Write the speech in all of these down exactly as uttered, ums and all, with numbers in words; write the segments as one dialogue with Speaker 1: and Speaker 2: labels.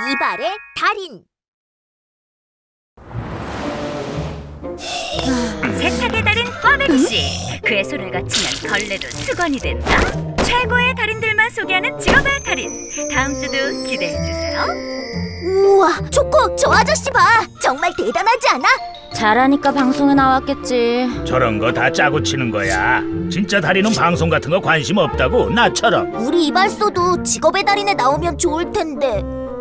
Speaker 1: 이발의 달인.
Speaker 2: 세탁의 달인 꽈배기씨. 그의 손을 거치면 걸레도 수건이 된다. 최고의 달인들만 소개하는 직업의 달인. 다음 주도 기대해주세요.
Speaker 1: 우와, 초코, 저 아저씨 봐. 정말 대단하지 않아?
Speaker 3: 잘하니까 방송에 나왔겠지.
Speaker 4: 저런 거 다 짜고 치는 거야. 진짜 달인은 방송 같은 거 관심 없다고, 나처럼.
Speaker 1: 우리 이발소도 직업의 달인에 나오면 좋을 텐데.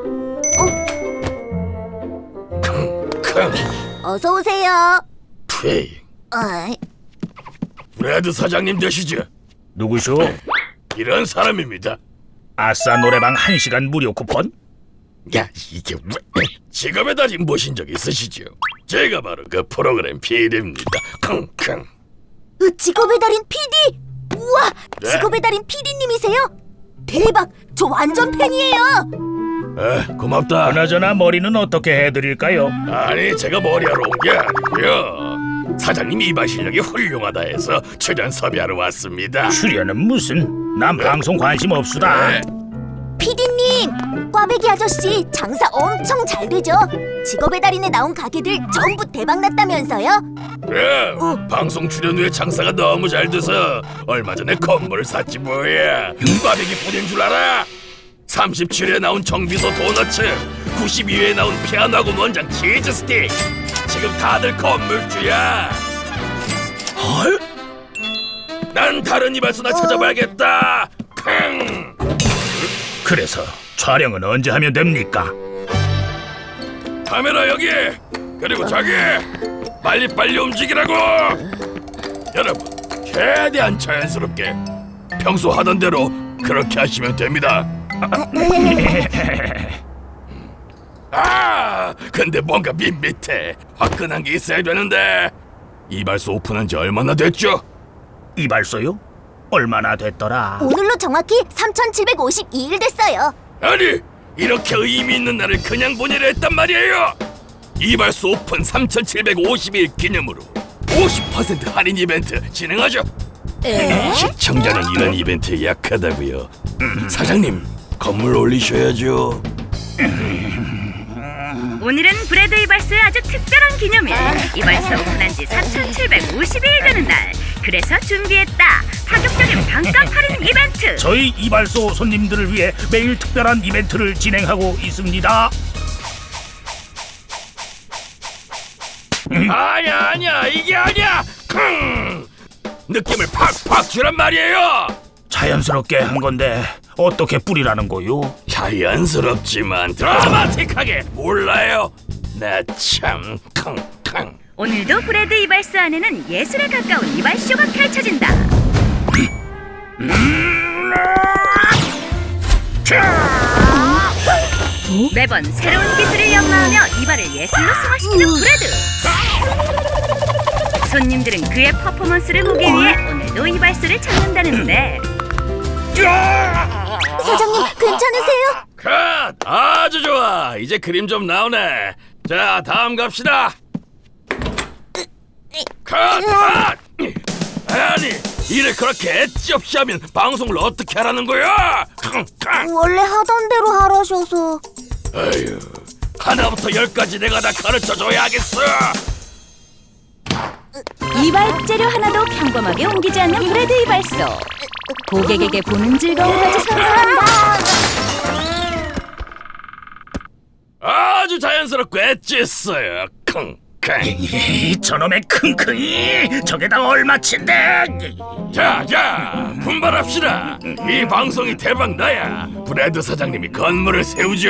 Speaker 1: 어서 오세요.
Speaker 5: 헤이,
Speaker 1: 어이,
Speaker 5: 브래드 사장님 되시죠?
Speaker 4: 누구쇼?
Speaker 5: 이런 사람입니다.
Speaker 4: 아싸 노래방 한 시간 무료 쿠폰?
Speaker 5: 야, 이게 왜? 직업의 달인 보신 적 있으시죠? 제가 바로 그 프로그램 피디입니다. 킁킁.
Speaker 1: 으, 직업의 달인 피디. 우와,
Speaker 5: 네?
Speaker 1: 직업의 달인 피디님이세요? 대박, 저 완전 팬이에요.
Speaker 5: 에, 고맙다.
Speaker 4: 그나저나 머리는 어떻게 해드릴까요?
Speaker 5: 아니, 제가 머리하러 온 게 아니고요. 사장님 이발 실력이 훌륭하다 해서 출연 섭외하러 왔습니다.
Speaker 4: 출연은 무슨? 난 방송 관심 없수다.
Speaker 5: 네.
Speaker 1: 피디님, 꽈배기 아저씨 장사 엄청 잘 되죠? 직업의 달인에 나온 가게들 전부 대박 났다면서요?
Speaker 5: 그래, 방송 출연 후에 장사가 너무 잘 돼서 얼마 전에 건물을 샀지 뭐야. 꽈배기 뿐인 줄 알아? 삼십칠 회에 나온 정비소 도너츠, 구십이 회에 나온 피아노하고 원장 치즈 스틱. 지금 다들 건물주야. 헐? 난 다른 이발소나 찾아봐야겠다. 킁.
Speaker 4: 그래서 촬영은 언제 하면 됩니까?
Speaker 5: 카메라 여기. 그리고 저기. 빨리빨리 움직이라고. 여러분, 최대한 자연스럽게 평소 하던 대로 그렇게 하시면 됩니다. 아, 근데 뭔가 밋밋해. 화끈한 게 있어야 되는데. 이발소 오픈한 지 얼마나 됐죠?
Speaker 4: 이발소요? 얼마나 됐더라?
Speaker 1: 오늘로 정확히 삼천칠백오십이 일 됐어요.
Speaker 5: 아니, 이렇게 의미 있는 날을 그냥 보내려 했단 말이에요. 이발소 오픈 삼천칠백오십 일 기념으로 오십 퍼센트 할인 이벤트 진행하죠.
Speaker 1: 에?
Speaker 5: 시청자는 이런 이벤트에 약하다고요. 사장님, 건물 올리셔야죠.
Speaker 2: 오늘은 브래드 이발소의 아주 특별한 기념일. 이발소 오픈한 지 삼천칠백오십 일 되는 날. 그래서 준비했다. 파격적인 반값 할인 이벤트.
Speaker 4: 저희 이발소 손님들을 위해 매일 특별한 이벤트를 진행하고 있습니다.
Speaker 5: 아니야, 아니야, 이게 아니야. 킁! 느낌을 팍팍 주란 말이에요.
Speaker 4: 자연스럽게 한 건데 어떻게 뿌리라는 거요?
Speaker 5: 자연스럽지만 드라마틱하게. 몰라요? 나 참 킁킁.
Speaker 2: 오늘도 브래드 이발소 안에는 예술에 가까운 이발쇼가 펼쳐진다. 매번 새로운 기술을 연마하며 이발을 예술로 승화시키는 브래드. 손님들은 그의 퍼포먼스를 보기 위해 오늘도 이발소를 찾는다는데.
Speaker 1: 사장님, 괜찮으세요?
Speaker 5: 컷! 아주 좋아. 이제 그림 좀 나오네. 자, 다음 갑시다. 컷! 컷! 아니, 일을 그렇게 엣지 없이 하면 방송을 어떻게 하라는 거야?
Speaker 1: 원래 하던 대로 하라셔서.
Speaker 5: 아유, 하나부터 열까지 내가 다 가르쳐줘야 하겠어.
Speaker 3: 이발 재료 하나도 평범하게 옮기지 않는 브래드 이발소. 고객에게 보는 즐거움까지 선사한다.
Speaker 5: 아주 자연스럽고 엣지했어요. 킁킁.
Speaker 4: 저놈의 킁킁이 저게 다 얼마친데?
Speaker 5: 자, 자, 분발합시다. 이 방송이 대박 나야 브래드 사장님이 건물을 세우죠.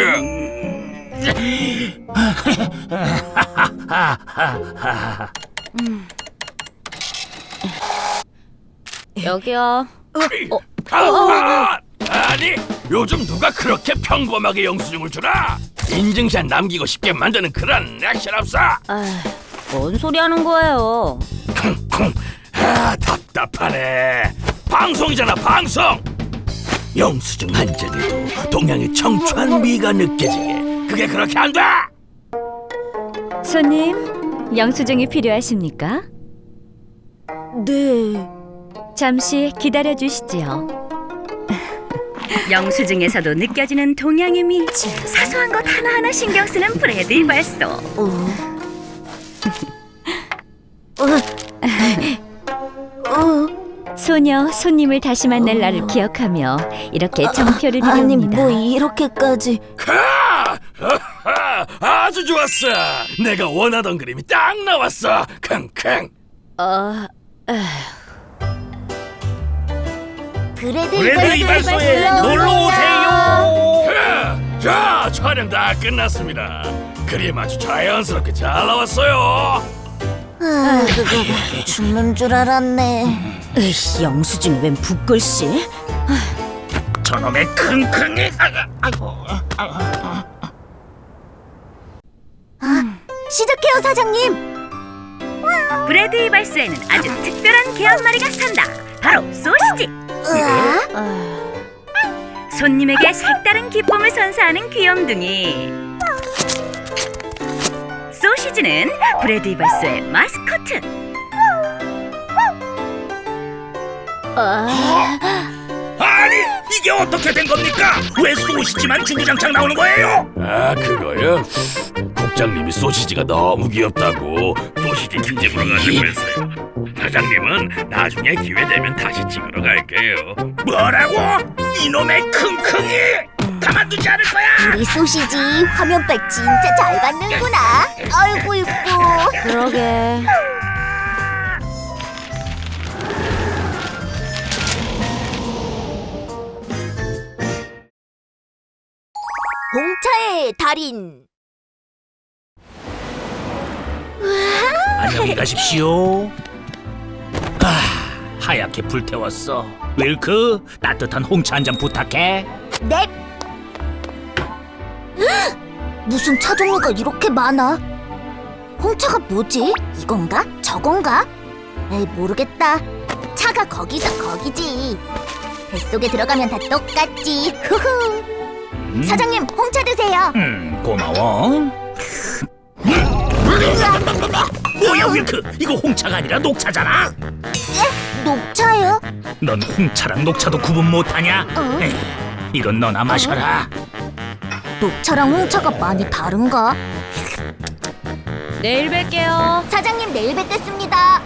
Speaker 3: 여기요.
Speaker 5: 아, 아니, 요즘 누가 그렇게 평범하게 영수증을 주나? 인증샷 남기고 싶게 만드는 그런 액션 없어.
Speaker 3: 아, 뭔 소리 하는 거예요?
Speaker 5: 쿵쿵. 아, 답답하네. 방송이잖아, 방송. 영수증 한 장에도 동양의 청초한 미가 느껴지게. 그게 그렇게 안 돼.
Speaker 3: 손님, 영수증이 필요하십니까?
Speaker 1: 네.
Speaker 3: 잠시 기다려 주시지요.
Speaker 2: 영수증에서도 느껴지는 동양의 미. 사소한 것 하나하나 신경 쓰는 브래드 이발소.
Speaker 3: 소녀 손님을 다시 만날 날을 기억하며 이렇게 정표를
Speaker 1: 아니
Speaker 3: 드립니다.
Speaker 1: 뭐 이렇게까지.
Speaker 5: 하! 하하! 아주 좋았어. 내가 원하던 그림이 딱 나왔어. 킁킁.
Speaker 3: 어,
Speaker 1: 그래도
Speaker 4: 브래드 이발소에 놀러 오세요.
Speaker 5: 자, 자, 촬영 다 끝났습니다. 그림 아주 자연스럽게 잘 나왔어요.
Speaker 1: 아, 죽는 줄 알았네.
Speaker 3: 으이, 영수증이 웬 붓글씨?
Speaker 4: 저놈의 킁킁이. 아이고.
Speaker 1: 시작해요, 사장님.
Speaker 2: 브래드 이발소에는 아주 특별한 개 한 마리가 산다. 바로 소시지.
Speaker 1: 으아,
Speaker 2: 손님에게 색다른 기쁨을 선사하는 귀염둥이. 소시지는 브래드 이발소의 마스코트.
Speaker 4: 아니 이게 어떻게 된 겁니까? 왜 소시지만 주구장창 나오는 거예요?
Speaker 5: 아, 그거요? 국장님이 소시지가 너무 귀엽다고 소시지 특집으로 가자고 했어요. 사장님은 나중에 기회 되면 다시 찍으러 갈게요.
Speaker 4: 뭐라고? 이놈의 킁킁이! 가만두지 않을 거야!
Speaker 1: 우리 소시지 화면빨 진짜 잘 받는구나. 아이고 이뻐.
Speaker 3: 그러게.
Speaker 1: 홍차의 달인.
Speaker 4: 안녕히 가십시오. 아, 하얗게 불태웠어. 윌크, 따뜻한 홍차 한 잔 부탁해.
Speaker 1: 넵. 으악! 무슨 차 종류가 이렇게 많아? 홍차가 뭐지? 이건가? 저건가? 에이, 모르겠다. 차가 거기서 거기지. 뱃속에 들어가면 다 똑같지. 후후.
Speaker 4: 음?
Speaker 1: 사장님, 홍차 드세요.
Speaker 4: 음, 고마워. 뭐야 윌크? 이거 홍차가 아니라 녹차잖아.
Speaker 1: 예? 녹차요?
Speaker 4: 넌 홍차랑 녹차도 구분 못하냐?
Speaker 1: 어?
Speaker 4: 에이, 이건 너나 마셔라.
Speaker 1: 녹차랑 홍차가 많이 다른가?
Speaker 3: 내일 뵐게요.
Speaker 1: 사장님, 내일 뵙겠습니다.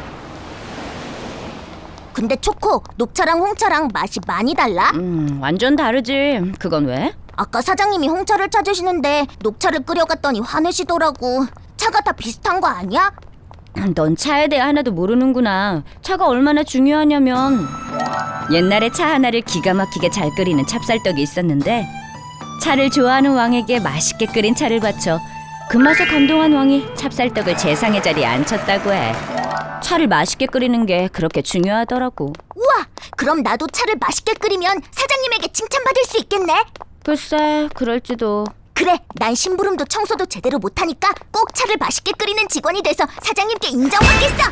Speaker 1: 근데 초코, 녹차랑 홍차랑 맛이 많이 달라?
Speaker 3: 음, 완전 다르지. 그건 왜?
Speaker 1: 아까 사장님이 홍차를 찾으시는데 녹차를 끓여갔더니 화내시더라고. 차가 다 비슷한 거 아니야?
Speaker 3: 넌 차에 대해 하나도 모르는구나. 차가 얼마나 중요하냐면 옛날에 차 하나를 기가 막히게 잘 끓이는 찹쌀떡이 있었는데 차를 좋아하는 왕에게 맛있게 끓인 차를 바쳐 그 맛에 감동한 왕이 찹쌀떡을 재상의 자리에 앉혔다고 해. 차를 맛있게 끓이는 게 그렇게 중요하더라고.
Speaker 1: 우와! 그럼 나도 차를 맛있게 끓이면 사장님에게 칭찬받을 수 있겠네?
Speaker 3: 글쎄, 그럴지도.
Speaker 1: 그래, 난 심부름도 청소도 제대로 못하니까 꼭 차를 맛있게 끓이는 직원이 돼서 사장님께 인정받겠어!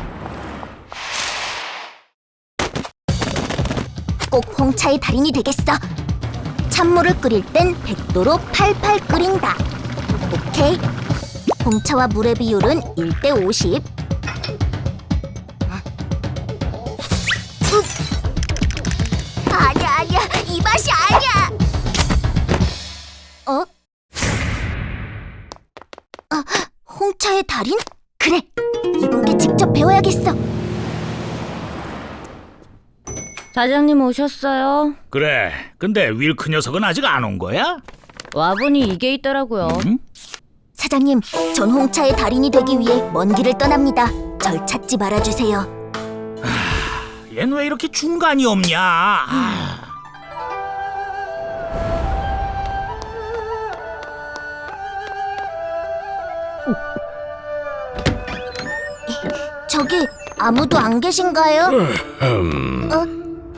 Speaker 1: 꼭 홍차의 달인이 되겠어. 찬물을 끓일 땐 백 도로 팔팔 끓인다. 오케이. 홍차와 물의 비율은 일 대 오십. 음. 아니야, 아니야. 이 맛이 아니야. 어? 아, 홍차의 달인? 그래, 이분께 직접 배워야겠어.
Speaker 3: 사장님 오셨어요?
Speaker 4: 그래, 근데 윌크 녀석은 아직 안 온 거야?
Speaker 3: 와보니 이게 있더라고요.
Speaker 4: 음?
Speaker 1: 사장님, 전 홍차의 달인이 되기 위해 먼 길을 떠납니다. 절 찾지 말아주세요.
Speaker 4: 얜 왜 이렇게 중간이 없냐? 아.
Speaker 1: 저기 아무도 안 계신가요?
Speaker 5: 음,
Speaker 1: 어?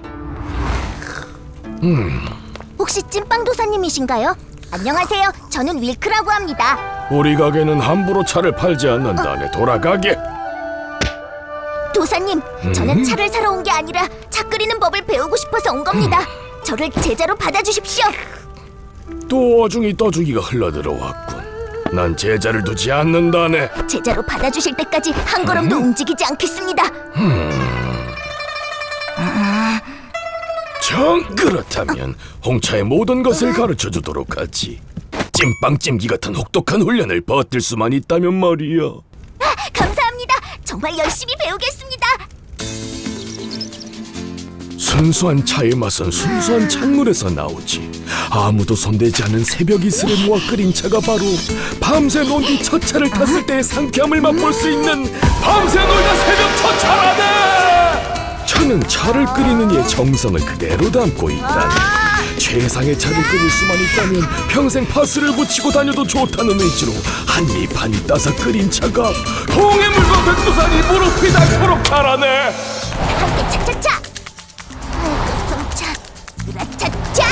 Speaker 1: 혹시 찐빵 도사님이신가요? 안녕하세요. 저는 윌크라고 합니다.
Speaker 5: 우리 가게는 함부로 차를 팔지 않는다네. 돌아가게.
Speaker 1: 도사님, 저는 차를 사러 온 게 아니라 차 끓이는 법을 배우고 싶어서 온 겁니다. 저를 제자로 받아주십시오.
Speaker 5: 또 어중이 떠주기가 흘러들어왔군. 난 제자를 두지 않는다네.
Speaker 1: 제자로 받아주실 때까지 한 걸음도 움직이지 않겠습니다.
Speaker 5: 자, 형, 그렇다면 홍차의 모든 것을 가르쳐주도록 하지. 찐빵 찜기 같은 혹독한 훈련을 버틸 수만 있다면 말이야.
Speaker 1: 감사합니다. 정말 열심히 배우겠습니다.
Speaker 5: 순수한 차의 맛은 순수한 찬물에서 나오지. 아무도 손대지 않은 새벽 이슬에 모아 끓인 차가 바로 밤새 논 뒤 첫 차를 탔을 때의 상쾌함을 맛볼 수 있는 밤새 놀다 새벽 첫 차라네. 차는 차를 끓이는 이의 정성을 그대로 담고 있다. 최상의 차를 끓일 수만 있다면 평생 파스를 붙이고 다녀도 좋다는 의지로 한입 한입 따서 끓인 차가 홍해물과 백두산이 무릎이 닿도록 자라네.
Speaker 1: 함께 차차차. 아이고 성차. 으라차차.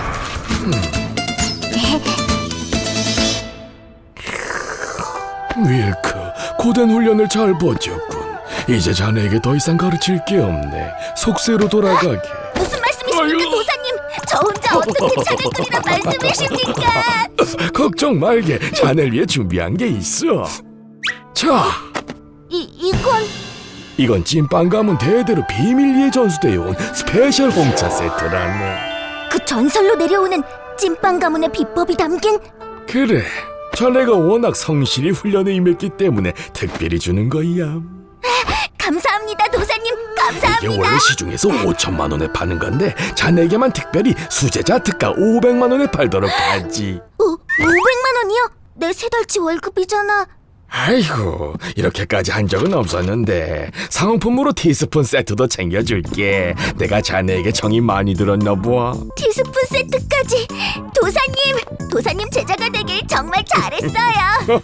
Speaker 5: 윌크, 고된 훈련을 잘 버텼군. 이제 자네에게 더 이상 가르칠 게 없네. 속세로 돌아가게.
Speaker 1: 무슨 말씀이십니까,
Speaker 5: 아유.
Speaker 1: 도사님? 저 혼자 어떻게 차를 끓이란 말씀이십니까?
Speaker 5: 걱정 말게. 자네를 위해 준비한 게 있어. 자,
Speaker 1: 이 이건
Speaker 5: 이건 찐빵 가문 대대로 비밀리에 전수되어 온 스페셜 홍차 세트라네.
Speaker 1: 그 전설로 내려오는 찐빵 가문의 비법이 담긴.
Speaker 5: 그래, 자네가 워낙 성실히 훈련에 임했기 때문에 특별히 주는 거야.
Speaker 1: 감사합니다, 도사님. 감사합니다.
Speaker 5: 이게 원래 시중에서 오천만 원에 파는 건데 자네에게만 특별히 수제자 특가 오백만 원에 팔도록 하지.
Speaker 1: 오, 오백만 원이요? 내 세 달치 월급이잖아.
Speaker 5: 아이고, 이렇게까지 한 적은 없었는데 상품으로 티스푼 세트도 챙겨줄게. 내가 자네에게 정이 많이 들었나 봐.
Speaker 1: 티스푼 세트까지. 도사님, 도사님 제자가 되길 정말 잘했어요.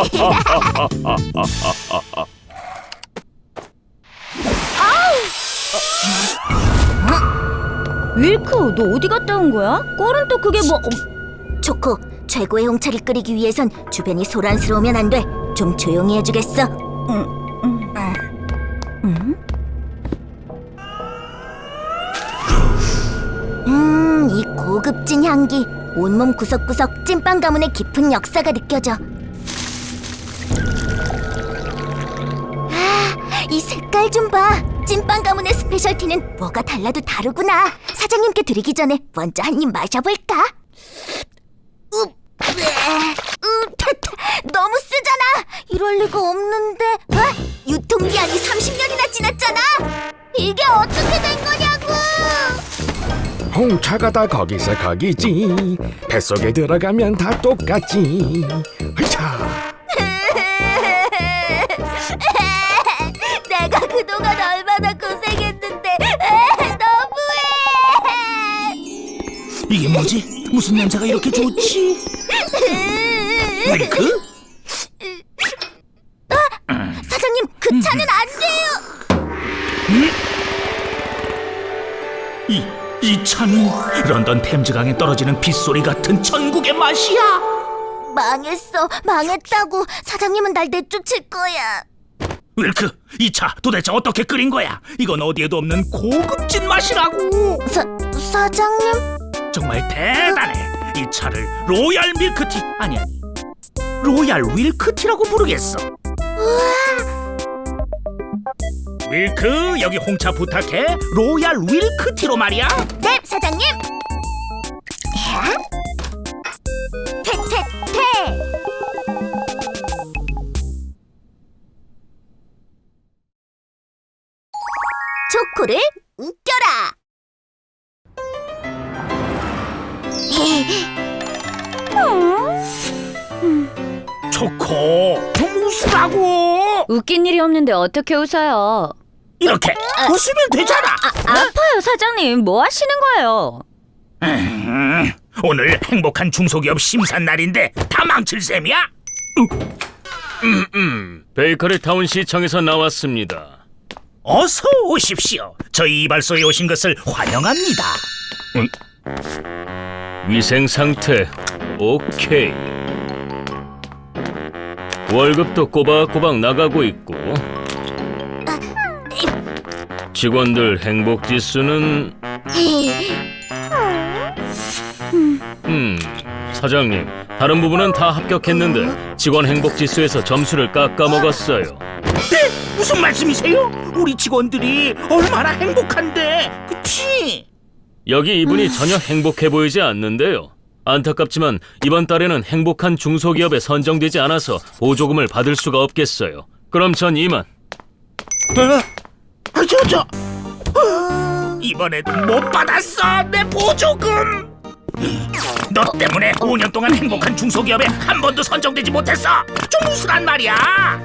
Speaker 3: 윌크, 너 어디 갔다 온 거야? 꼴은 또 그게 뭐...
Speaker 1: 초코, 최고의 홍차를 끓이기 위해선 주변이 소란스러우면 안 돼. 좀 조용히 해주겠어? 음, 이 고급진 향기. 온몸 구석구석 찐빵 가문의 깊은 역사가 느껴져. 아, 이 색깔 좀 봐. 찐빵 가문의 스페셜티는 뭐가 달라도 다르구나. 사장님께 드리기 전에 먼저 한 입 마셔볼까? 으, 으, 타타, 너무 쓰잖아. 이럴 리가 없는데. 어? 유통기한이 삼십 년이나 지났잖아. 이게 어떻게 된 거냐고.
Speaker 5: 홍차가 다 거기서 거기지. 뱃속에 들어가면 다 똑같지. 자,
Speaker 1: 내가 그동안 얼마나 고생했는데. 너무해.
Speaker 4: 이게 뭐지? 무슨 냄새가 이렇게 좋지? 윌크?
Speaker 1: 사장님, 그 차는 안 돼요.
Speaker 4: 이, 이 차는 런던 템즈강에 떨어지는 빗소리 같은 천국의 맛이야.
Speaker 1: 망했어. 망했다고. 사장님은 날 내쫓을 거야.
Speaker 4: 윌크, 이 차 도대체 어떻게 끓인 거야? 이건 어디에도 없는 고급진 맛이라고.
Speaker 1: 사, 사장님?
Speaker 4: 정말 대단해. 이 차를 로얄 밀크티, 아니 아니 로얄 윌크티라고 부르겠어. 윌크, 여기 홍차 부탁해. 로얄 윌크티로 말이야.
Speaker 1: 네, 사장님. 퇴퇴퇴. 초코를 웃겨라.
Speaker 4: 초코, 좀 웃으라고.
Speaker 3: 웃긴 일이 없는데 어떻게 웃어요?
Speaker 4: 이렇게 웃으면 되잖아.
Speaker 3: 아파요, 사장님. 뭐 하시는 거예요?
Speaker 4: 음, 오늘 행복한 중소기업 심사 날인데 다 망칠 셈이야?
Speaker 6: 베이커리 타운 시청에서 나왔습니다.
Speaker 4: 어서 오십시오. 저희 이발소에 오신 것을 환영합니다.
Speaker 6: 위생 상태 오케이. 월급도 꼬박꼬박 나가고 있고 직원들 행복 지수는 음 사장님, 다른 부분은 다 합격했는데 직원 행복 지수에서 점수를 깎아 먹었어요.
Speaker 4: 네? 무슨 말씀이세요? 우리 직원들이 얼마나 행복한데, 그치?
Speaker 6: 여기 이분이 전혀 행복해 보이지 않는데요. 안타깝지만 이번 달에는 행복한 중소기업에 선정되지 않아서 보조금을 받을 수가 없겠어요. 그럼 전 이만.
Speaker 4: 아, 저, 저. 이번에도 못 받았어 내 보조금. 너 때문에 오 년 동안 행복한 중소기업에 한 번도 선정되지 못했어. 좀 우스란 말이야.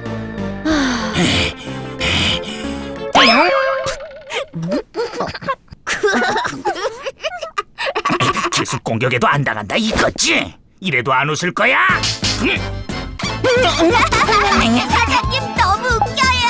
Speaker 4: 기습 공격에도 안 당한다 이거지? 이래도 안 웃을 거야? 응?
Speaker 1: 사장님 너무 웃겨요.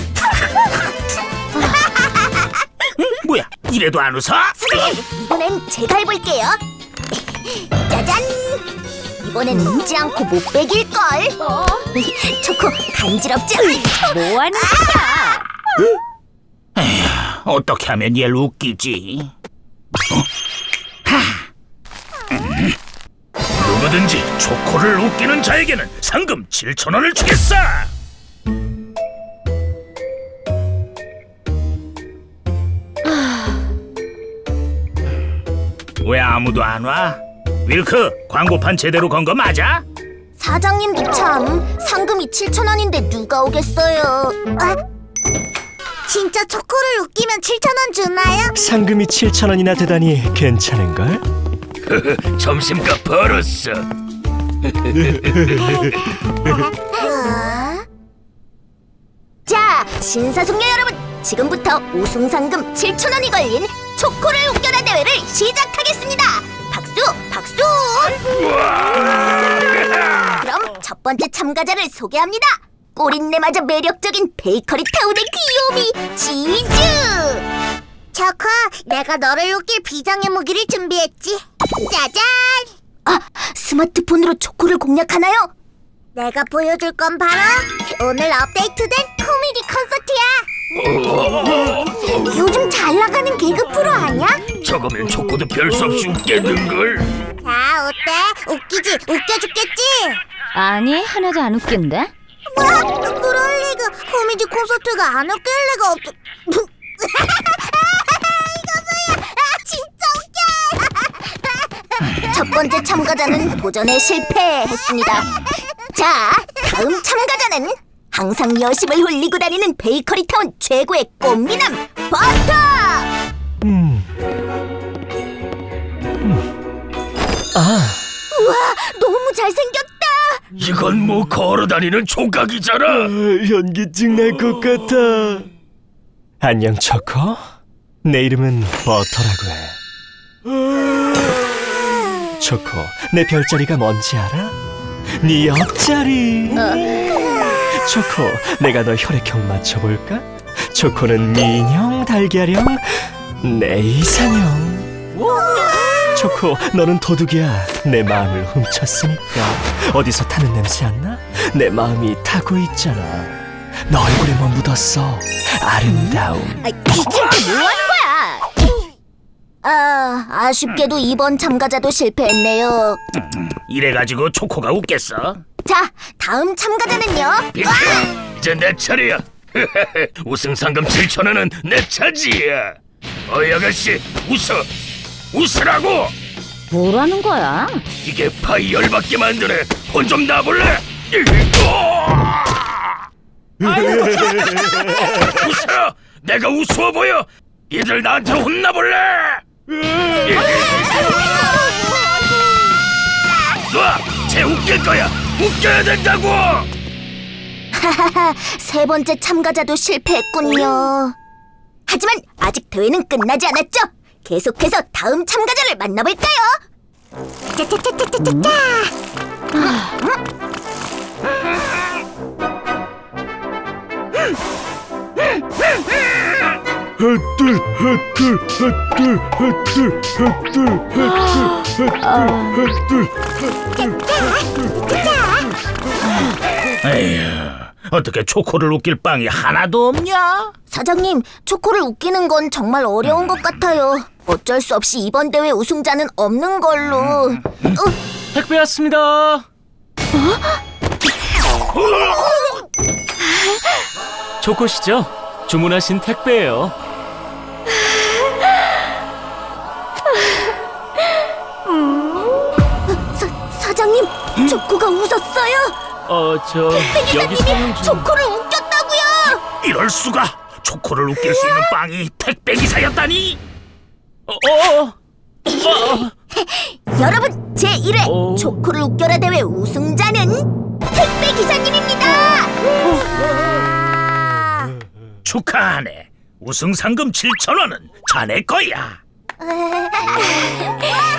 Speaker 4: 뭐야? 이래도 안 웃어?
Speaker 1: 사장님 이번엔 제가 해볼게요. 짜잔. 이번엔 웃지 않고 못 빼길걸. 초코 간지럽지 않죠?
Speaker 3: 뭐 하는 거야?
Speaker 4: 어떻게 하면 얘를 웃기지? 어? 하! 음. 누구든지 초코를 웃기는 자에게는 상금 칠천 원을 주겠어! 왜 아무도 안 와? 윌크, 광고판 제대로 건 거 맞아?
Speaker 1: 사장님도 참 상금이 칠천 원인데 누가 오겠어요? 아? 진짜 초코를 웃기면 칠천 원 주나요?
Speaker 7: 상금이 칠천 원이나 되다니 괜찮은걸?
Speaker 5: 점심값 벌었어.
Speaker 1: 자, 신사숙녀 여러분, 지금부터 우승 상금 칠천 원이 걸린 초코를 웃겨라 대회를 시작하겠습니다. 박수, 박수! 그럼 첫 번째 참가자를 소개합니다. 꼬린내마저 매력적인 베이커리 타운의 귀요미 치즈! 초코, 내가 너를 웃길 비장의 무기를 준비했지. 짜잔! 아, 스마트폰으로 초코를 공략하나요? 내가 보여줄 건 바로 오늘 업데이트된 코미디 콘서트야. 요즘 잘 나가는 개그 프로 아니야?
Speaker 5: 저거면 초코도 별 수 없이 웃겠는걸.
Speaker 1: 자, 어때? 웃기지? 웃겨 죽겠지?
Speaker 3: 아니, 하나도 안 웃긴데?
Speaker 1: 뭐? 그럴 리가. 코미디 콘서트가 안 웃길 리가 없... 이거 뭐야? 아, 진짜 웃겨! 첫 번째 참가자는 도전에 실패했습니다. 자, 다음 참가자는 항상 여심을 홀리고 다니는 베이커리 타운 최고의 꽃미남 버터!
Speaker 7: 음. 아,
Speaker 1: 우와, 너무 잘생겼다!
Speaker 5: 이건 뭐 걸어다니는 조각이잖아.
Speaker 7: 현기증 날 것 같아. 안녕 초코. 내 이름은 버터라고 해. 초코, 내 별자리가 뭔지 알아? 네 옆자리. 초코, 내가 너 혈액형 맞춰볼까? 초코는 민형, 달걀형, 내 이상형. 초코, 너는 도둑이야. 내 마음을 훔쳤으니까. 어디서 타는 냄새 안 나? 내 마음이 타고 있잖아. 너 얼굴에 뭐 묻었어? 아름다움.
Speaker 1: 지금 뭐 하는 거야? 아, 아쉽게도 이번 참가자도 실패했네요.
Speaker 4: 이래가지고 초코가 웃겠어?
Speaker 1: 자, 다음 참가자는요.
Speaker 5: 빅 이제 내 차례야. 우승 상금 칠천 원은 내 차지야. 어이 아가씨, 웃어. 웃으라고.
Speaker 3: 뭐라는 거야?
Speaker 5: 이게 파이 열받게 만드네. 혼 좀 놔볼래? 웃어. 내가 우스워 보여. 이들 나한테 혼나볼래? 놔. 쟤 웃길 거야. 웃겨야 된다고.
Speaker 1: 하하하, 세 번째 참가자도 실패했군요. 하지만 아직 대회는 끝나지 않았죠? 계속해서 다음 참가자를 만나볼까요? 짜짜짜짜짜짜.
Speaker 7: 헛들 헛들 헛들 헛들 헛들 헛들 헛들
Speaker 4: 에휴, 어떻게 초코를 웃길 빵이 하나도 없냐?
Speaker 1: 사장님, 초코를 웃기는 건 정말 어려운 것 같아요. 어쩔 수 없이 이번 대회 우승자는 없는 걸로. 어,
Speaker 6: 택배 왔습니다. 초코시죠? 주문하신 택배예요.
Speaker 1: 초코가 웃었어요.
Speaker 6: 어, 저 여기 사용 중.
Speaker 1: 초코를 웃겼다고요.
Speaker 4: 이럴 수가. 초코를 웃길 수 있는 빵이 택배 기사였다니.
Speaker 6: 어, 어, 어.
Speaker 1: 여러분, 제일 회
Speaker 6: 어.
Speaker 1: 초코를 웃겨라 대회 우승자는 택배 기사님입니다.
Speaker 4: 축하하네. 우승 상금 칠천 원은 자네 거야.